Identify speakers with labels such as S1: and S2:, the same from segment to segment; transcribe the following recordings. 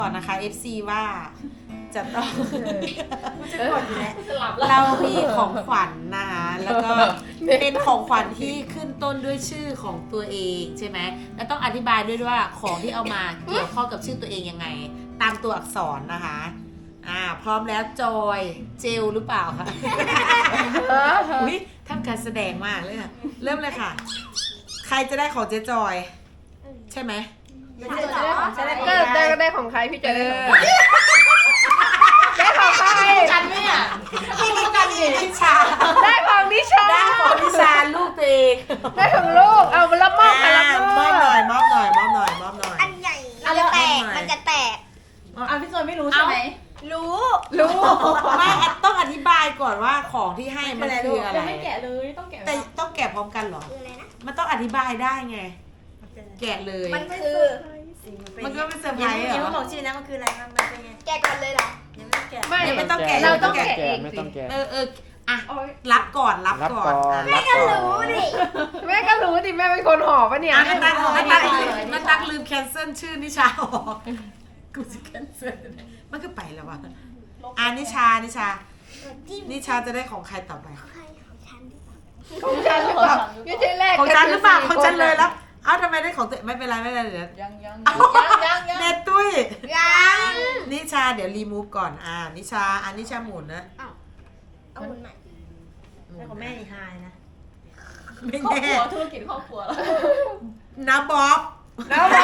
S1: ก่อนนะคะ FC ว่าจะต้อง
S2: จะกดอยู่แล้ว
S1: เรามีของขวัญนะคะแล้วก็เป็นของขวัญที่ขึ้นต้นด้วยชื่อของตัวเองใช่ไหมแล้วต้องอธิบายด้วยว่าของที่เอามาเกี่ยวข้องกับชื่อตัวเองยังไง ตามตัวอักษรนะคะพร้อมแล้วจอยเจลหรือเปล่าคะอุ้ยทำการแสดงมากเลยค่ะเริ่มเลยค่ะ ใครจะได้ของเจ๊จอยใช่ไหม
S2: ไม่ใช่เหรอ
S3: ก็ได้ของใครพี่จะได้ของใครได้ของใคร
S1: กันไหมอ่ะกันนิชา
S3: ได้ของนิชา
S1: ได้ของนิชาลูกตัวเอง
S3: ได้ของลูกเอารับมอบค่ะรับม
S1: ม
S3: อ
S1: อ
S3: บบ
S1: หน่อยมอบหน่อยมอบหน่อยมอบหน่อย
S2: อันใหญ่มันจะแตก มันจะแตก
S4: พี่จอยไม่รู้ใช่ไหม
S2: รู้
S3: ลูก
S1: ไม่ต้องอธิบายก่อนว่าของที่ให้มันคืออะไร
S4: ยังไม่แกะเลยต้องแกะ
S1: แต่ต้องแกะพร้อมกันเหรอ
S2: คืออะไรนะ
S1: มันต้องอธิบายได้ไง แกะเลย
S2: มันคือ
S1: มันก็เป็นเซอร์ไพรส์เหร
S5: ยังไม่บ
S1: อ
S5: อกชื่อนะมันคืออะไรมันเป็นไง
S2: แกะก่อนเลยเหรอ
S5: ยังไม่แกะ
S3: ไม่
S1: ไม่ต้องแกะ
S3: เราต้องแกะเอง
S6: ไม่
S3: สิ
S6: ต้องแกะ
S1: อ่ะรับก่อนรับก่อน
S6: รับก่อน
S2: รู้ดิ
S3: แม่ก็รู้ดิแม่เป็นคนห่อปะเนี่ย
S1: ไม่ตักลืมแคนเซิลชื่อนิชาออกกูจะแคนเซิลมันก็ไปแล้ววะนิชานิชาจะได้ของใครต่อไป
S2: ใครของฉัน
S3: ของฉันหรือเปล่าไม่ใช่แรก
S1: ของฉันหรือเปล่าของฉันเลยแล้วเอ้าทำไมได้ของตัวไม่เป็นไรไม่เป็นไรเดี๋ยว
S4: ยัง
S1: เนตตุ้ย
S2: ยัง
S1: นิชาเดี๋ยวรีมูฟก่อนนิชาหมุนนะ
S2: เอาหุ่นใหม่
S5: แล้วของแม่นี่ไฮนะ
S1: ไม่
S4: ครอบ
S1: แน่
S4: ครัวธุรกิจครอบครัวแล้ว
S1: นาบ๊อบ
S3: แล้วบอก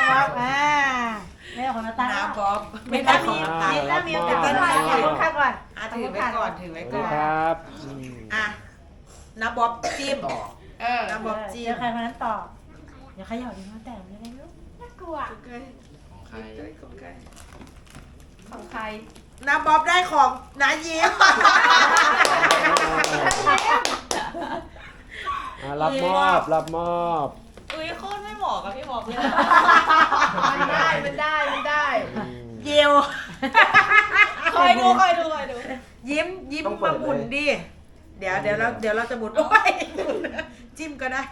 S5: แม่ของนาตา
S1: นาบ๊อบไม่ได้ของตา
S5: แล้วมีโอกาสได้ของใครก่อน
S1: ถือไว้ก่อนถือไว้
S6: สวัส
S1: ก่อน
S6: ดีครับ
S1: นาบ๊อบจิ้ม นาบ๊อบ
S5: เจ
S1: จิ้
S5: อ
S1: ม
S5: ใครคนนั้นต่ออย่าเขย่าดีมาแต่งยังไงลูก
S2: น่ากลัว
S4: ของใคร
S1: นาบ๊อบได้ของนายิ้ม
S6: รับมอบ
S4: อุ้ยโคตรไม่เหมาะกับพี่บอกเลย
S3: มันได้
S1: เยว
S4: คอยดู
S1: ยิ้มมาหมุนดิเดี๋ยวเราจะหมุนโอ้ยจิ้มก็ได้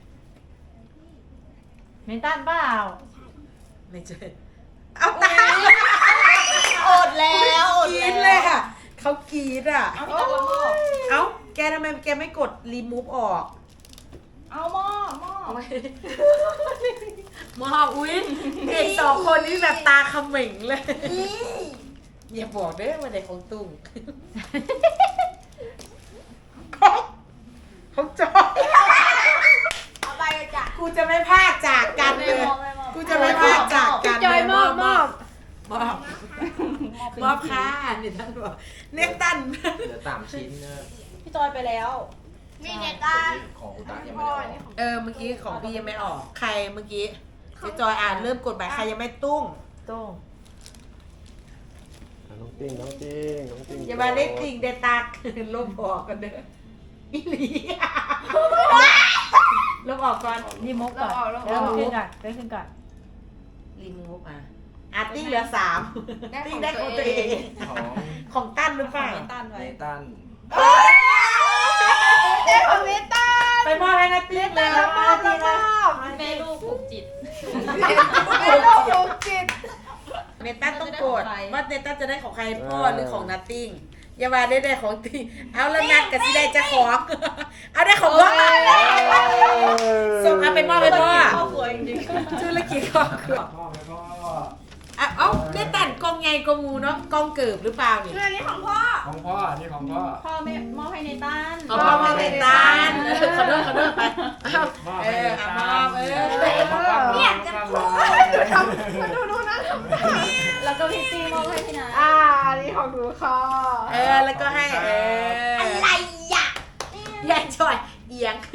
S5: เมนตันเปล่า
S1: ไม่ใช่เอาตา
S4: อดแล้วอด
S1: กรี
S4: แล้
S1: ดเลยว ค่ะเขากรีดอ่ะ
S4: เอาพี่ตักละหม้อ
S1: เอ้าแกทำไมแกไม่กดรีมูฟออก
S4: เอาหม้อ
S1: มออุ้ยเด็กสองคนนี้แบบตาเขม่งเลยอย่าบอกเด้อว่าเด็กของตุ้งของจอย
S2: เอาไปจ้ะ
S1: กูจะไม่พลาดจากกันเลย กูจะไม่พลาดจากกัน
S3: จอยมอบ
S1: มอบค่ะนี่ท่านบอกเนตัน
S7: เหลือ3 ชิ้นนะ
S4: พี่จอยไปแล้ว
S2: มีเนตัน
S7: ของอุตะยังไม่ได้ออก
S1: เมื่อกี้ของพี่ยังไม่ออก ใครเมื่อกี้เจ๊จอยเริ่มกดไปใครยังไม่ตุ้ง
S5: ตุ้ง
S6: น้องติ้ง
S1: อย่ามาเล่นจริงเดตาลบออกกันเด้ออีหลีลบออกก่อน
S5: รีโมทก่อนแล้วขึ้นก่อนขึ้นก่อน
S1: รีมูฟติ้งเหลือ3ติ้งได้ของตัวเอง
S7: ของ
S1: ของตั้นหรือเปล่า
S4: ไม่ต้านไว้
S7: เนตัน
S3: ได้ของเนต้า
S1: ไปมอบให้นาติ้งเลย
S3: รับมอบ
S4: แม่ลูกผูกจิต
S3: แม่ลูกถูกจิต
S1: เนตันต้องกดว่าเนตันจะได้ของใครพ่อหรือของนาติ้งอย่ามาได้ของติ้งเอาแล้วนัดกับสิได้จะของเอาได้ของพ่อส่งไปมอบให้พ่อ
S4: ครอบครัวจริง
S1: ธุรกิจครอบครัว
S7: พ่อไหมพ่อ
S1: เอ้าได้แต่งกองไงกองงูเนาะกองเกิบหรือเปล่านี่
S2: เรื่องนี้ของพ่อ
S7: ของพ่อ นี่ของพ่อ
S4: ๆพ่อแม่มอบให้ในต้าน
S1: เอาพ่อมาเป็นตาลขอโทษไปเอา
S7: มอบ
S1: เอ
S7: ให้
S1: อ
S7: เน
S1: เอา
S7: ตั
S1: มาน
S2: เนี่ยจะพูด
S3: ดูนะ
S4: แล้วก็พี่ตี้มอบให้พี่นา
S3: นี่ของหนูค่ะ
S1: แล้วก็ให้
S2: อะไรอ่ะ
S1: ยายจอยเอียง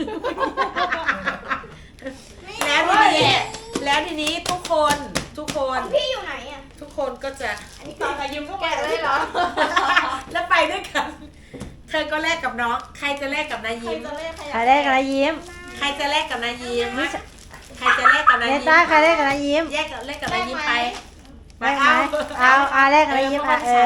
S1: แล้วทีนี้ทุกคน
S2: พี่อยู่ไหนอ่ะ
S1: ทุกคนก็จะ
S2: อันนี้ต่อไปยืมก็
S3: แกะเลยเหรอ
S1: แล้วไปด้วยกันเธอก็แลกกับน้องใครจะแลกกับนาย
S4: ใคร
S1: ยิ้ม
S4: จะเล่นใคร
S5: ใครได้กันนะยิ้ม
S1: ใครจะแลกกับนายยิ้มใครจะแลกกับนาย
S5: เม
S1: ยิ้
S5: น
S1: ม
S5: ตันใครได้กันนะยิ้ม
S1: แลกกับนายยิ้มไป
S5: ได้ไหมเอาแลกกันนะยิ้ม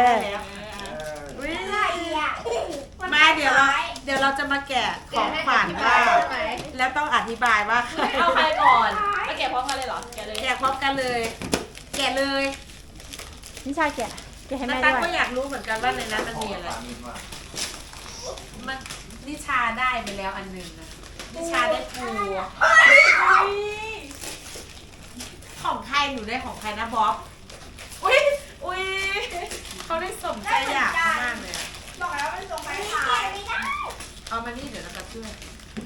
S2: อะไรอ่ะ
S1: มาเดี๋ยวเราจะมาแกะของขวัญว่าแล้วต้องอธิบายว่า
S4: เอาใครก่อนมาแกะพร้อมกันเลยเหรอแกะเลย
S1: แกะพร้อมกันเลย แกะเลย
S5: นิชาแกะให้
S1: นา
S5: แม่
S1: ตา
S5: ด้วย
S1: ก็อยากรู้เหมือนกันว่าในนั้นมันมีอะไร มันนิชาได้ไปแล้วอันหนึ่งนะนิชาได้ปูของใครหนูได้ของใครนะบ๊อบอุ้ยเขาได้สมใจอยากมากเลยอะ
S2: บอกแล้วมันส่งไปขาย
S1: เอามานี่เดี๋ยวเราจะช่วย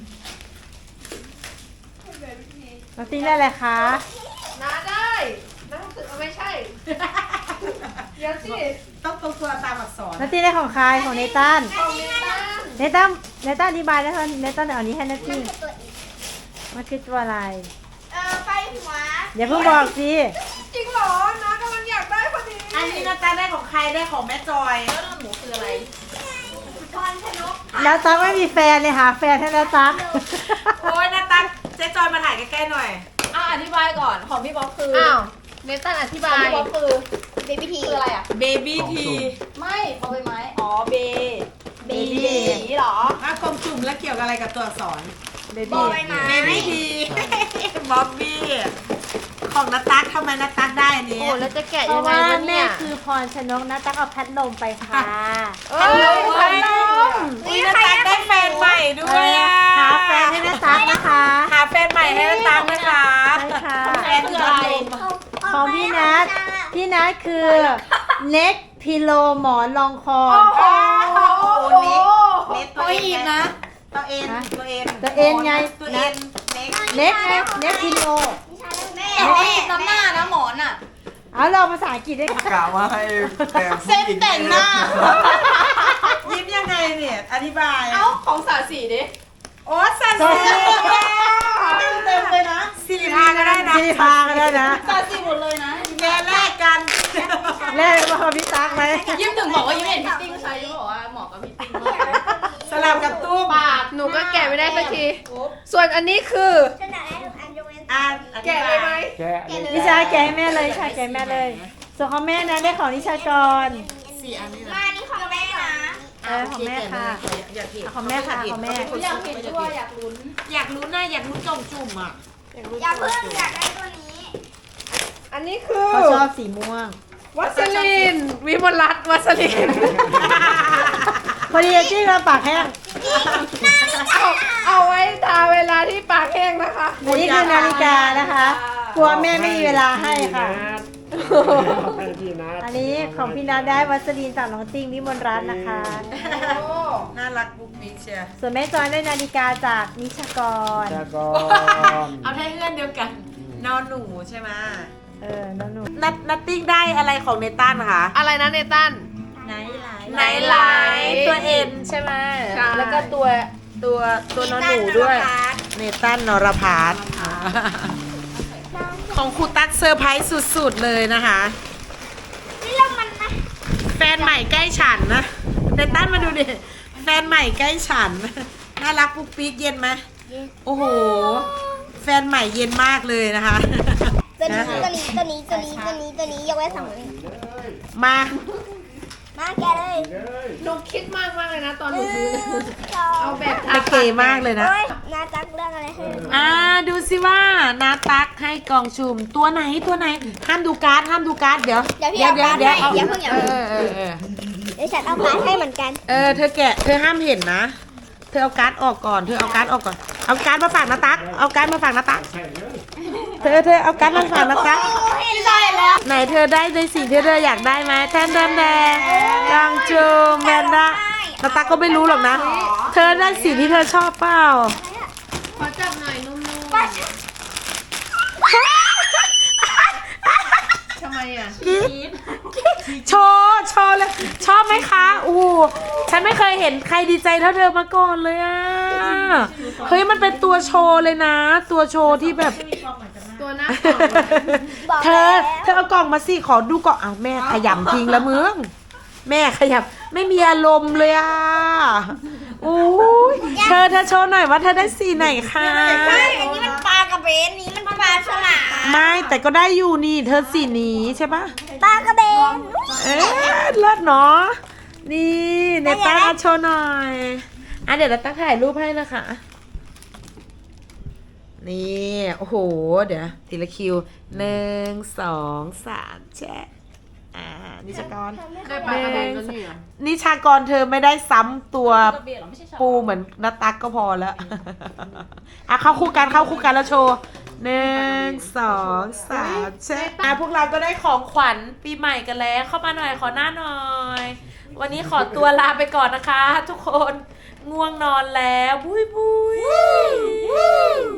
S5: น้องติ้งได้อะไรคะ
S3: น้าได้น้าคือไม่ใช่ เดี๋ยวสิ
S1: ต้องตรงตัวตามอักษร
S5: น้องติ้งได้ของใครของเนตัน
S3: ของเนตัน
S5: เนตันอธิบายแล้วเนตันเอาอันนี้ให้น้องติ้งมันคือตัวอะไร
S2: ไปหัว
S5: อย่าเพิ่งบอกสิ
S3: จริงเหรอน้ากำลังอยากได้พอดี
S1: อันนี้นาตาได้ของใครได้ของแม่จอย
S4: แล้วหนูคืออะไร
S2: พรชนก
S5: แล้วตั๊กไม่มีแฟนเลยหาแฟนให้แล้วตั๊ก
S1: โอ้ยนาตาเจ๊จอยมาถ่ายใกล้ๆหน่อย
S4: อธิบายก่อนของพี่บ๊อบคือ
S3: อ้าวเนตันอธิ
S4: ข
S3: บา
S4: อง
S3: ย
S4: พี่บ๊อบคือ
S2: เบบี้ที
S4: คืออะไรอ่ะ
S1: เบบี้ที
S4: ไม่บอใบไม้
S1: อ๋อเบ
S5: เบบี้
S4: สีเหรอ
S1: ถ้ากลมจุ่มแล้วเกี่ยวกับอะไรกับตัวอักษร
S5: เบ
S2: บอ
S5: บี้
S2: ใบไม้
S1: เบบี้ทีบ๊อบบี้ของนาตักทำไมนาตักได้อันนี้
S3: โอ้แล้วจะแกะ
S5: เพ
S3: ยั
S5: ราะ
S3: งไง
S5: ว่าว
S3: ะ
S5: แม่
S3: เนี่ย
S5: คือพรชนกนะตั๊กเอาพัดลมไปค่ะ
S3: เอ้ยพัดลม
S1: นี่นาตักได้แฟนใหม่ด้วยอ่ะ
S5: หาแฟนให้นะตั๊กนะคะ
S1: หาแฟนใหม่ให้นาตักนะคะ
S5: ใช่ค่ะ
S1: แฟนคืออะไร
S5: ของพี่นัทคือเน็กพิโลหมอนรองคอ
S1: โอ้โหเน็กตัวเองนะ ตัวเอ็น
S5: ตัวเอ็นไง
S1: ตัวเอ็นเน็ก
S5: เน็กไงเน็กพิโล
S2: แม่
S4: แต่ว่าติดน้ำหน้านะหมอนอ่ะ
S5: เอาเราภาษาอังกฤษด้วยค่ะ
S7: กล่าวว่าให้แต่งผู้หญิง
S1: แต่งหน้า ยิ้มยังไงเนี่ย อธิบาย
S4: เอ้าของสาสีดิ
S1: โอ้สันสีเต็มเลยนะสี่พาก็ได้นะ
S5: ที่พากันได้นะ
S4: สาสีหมดเลยนะ
S1: แม่แลกกัน
S5: แรกมาของพี่ตั๊กไหม
S4: ยิ้มถึงบอกว่ายิ้มเห็นพี่ติ้งใช้ยิ้มบอกว่าเหมาะกับพี่ติ้งมากเลย
S1: สลับกับตู้
S4: ปาก
S3: หนูก็แกะไม่ได้สักที ส่วนอันนี้คือ
S2: ฉันอยากได้ทุกอันยกเว้น
S1: อ่าน
S3: แกะเลยไหม
S6: แกะเลย
S5: นิชาแกะให้แม่เลยนิชาแกะให้แม่เลย ส่วนของแม่นะได้ของนิชากร
S1: สี่อันนี้
S2: มานี่ของแม่นะ
S5: ของแม่ค่ะ
S1: อยากเห็น
S5: ของแม่ค่ะของแม่
S4: อยากเห็นด้วยอยากลุ้น
S1: อยากรู้นะอยากรู้จงจุ่มอ่ะ
S2: อย่าเพิ่งอยากได้ตัวนี้
S3: อันนี้คือ
S5: เขาชอบสีม่วง
S3: วัสลินวิมลรัตน์วัสลิน
S5: พอดีจี้เราปากแห้ง
S3: เอาไว้ทาเวลาที่ปากแห้งนะคะ
S5: อันนี้คือนาฬิกานะคะ กลัวแม่ไม่มีเวลาให้ค่ะ
S6: ให้พี่นัท
S5: อันนี้ของพี่นัทได้วัสลีนจากน้องติ้งวิมลรัตน์นะคะ
S1: น่ารักบุ๊กบิ๊กเชียร์
S5: ส่วนแม่จอยได้นาฬิกาจากนิชากร
S6: จากกอน
S1: เอาให้เพื่อนเดียวกัน นอนหนูใช่ไหม
S5: น้องหนู
S1: นัตติ้งได้อะไรของเนตันคะ
S3: อะไรนะเนตัน
S1: ไนไลท์ตัวเอ็นใช่ไหม
S3: ใช่
S1: แล้วก็ตัวนอนหนูด้วย เนตันนรพัฒน์ของครูตั๊กเซอร์ไพรส์สุดๆเลยนะคะ
S2: นี่เรามันนะ
S1: แฟนใหม่ใกล้ฉันนะเนตันมาดูดิ แฟนใหม่ใกล้ฉัน น่ารักปุ๊กปิ๊กเย็นไหมโอ้โห แฟนใหม่เย็นมากเลยนะคะ
S2: ตัวนี้ยกเว้นสองนี้
S1: มา
S2: มาแกเลย
S3: หนูคิดมากเลยนะตอนหนูซื้อ เอาแบบ
S1: โอเคมากเลยนะ
S2: โอ้ยนาจักเรื่องอะไรให้
S1: ดูสิว่านาตักให้กล่องชุมตัวไหนห้ามดูการ์ดเดี๋ยว
S2: เดี๋ยวพี่เอาการ์ดให้อย่าเพิ่งอย่าเพิ่ง
S1: เออ
S2: เดี๋ยวฉันเอาการ์ดให้เหมือนกัน
S1: เธอแกะเธอห้ามเห็นนะ เธอเอาการ์ดออกก่อนเอาการ์ดมาฝากนาตักเอาการ์ดมาฝากนาตักเธอเอาการ์ดมาฝากนาตัก
S2: ได้แล้ว
S1: ไหนเธอได้ในสิ่งที่เธออยากได้ไหมแทนแดงกล่องชุมแมนดานาตักก็ไม่รู้หรอกนะ เธอได้สิ่งที่เธอชอบเปล่า
S3: ขอจับหน่อยนุ่ม
S2: ป้า
S3: ๆทำไมอ่ะ
S1: โชว์เลยชอบไหมคะโอ้โหฉันไม่เคยเห็นใครดีใจเท่าเธอมาก่อนเลยอ่ะเฮ้ยมันเป็นตัวโชว์เลยนะ ตัวโชว์ที่แบบ
S3: ตัวหน้ากล่อง
S2: บอก
S1: เธ
S2: แล้ว
S1: อเอากล่องมาสิขอดูก่อนอ้าวแม่ขยำทิ้งแล้วมึงแม่ขยำไม่มีอารมณ์เลยอ่ะโอ้ยเธอโชว์หน่อยว่าเธอได้สีไหนคะ
S2: ใช่อันนี้มันปลากระเบนนี้มันปลาฉลาม
S1: ไม่แต่ก็ได้อยู่นี่เธอสีนี้ใช่ปะ
S2: ปลากระเบน
S1: เลิศเนาะนี่เนต้าโชว์หน่อยเดี๋ยวเราตั้งถ่ายรูปให้นะคะนี่โอ้โหเดี๋ยวทีละคิว1 2 3แชะนิชากร
S4: ได้ปลากระเบนก็นี่เหรอ
S1: นิชากรเธอไม่ได้ซ้ำตัว
S4: กระเบนเหรอไม่ใช่ชา
S1: ปูเหมือนนัตตักก็พอแล้ว เข้าคู่กันแล้วโชว์1 2 3เช็คพวกเราก็ได้ของขวัญปีใหม่กันแล้วเข้ามาหน่อยขอหน้าหน่อย วันนี้ขอตัวลาไปก่อนนะคะ ทุกคนง่วงนอนแล้วบุย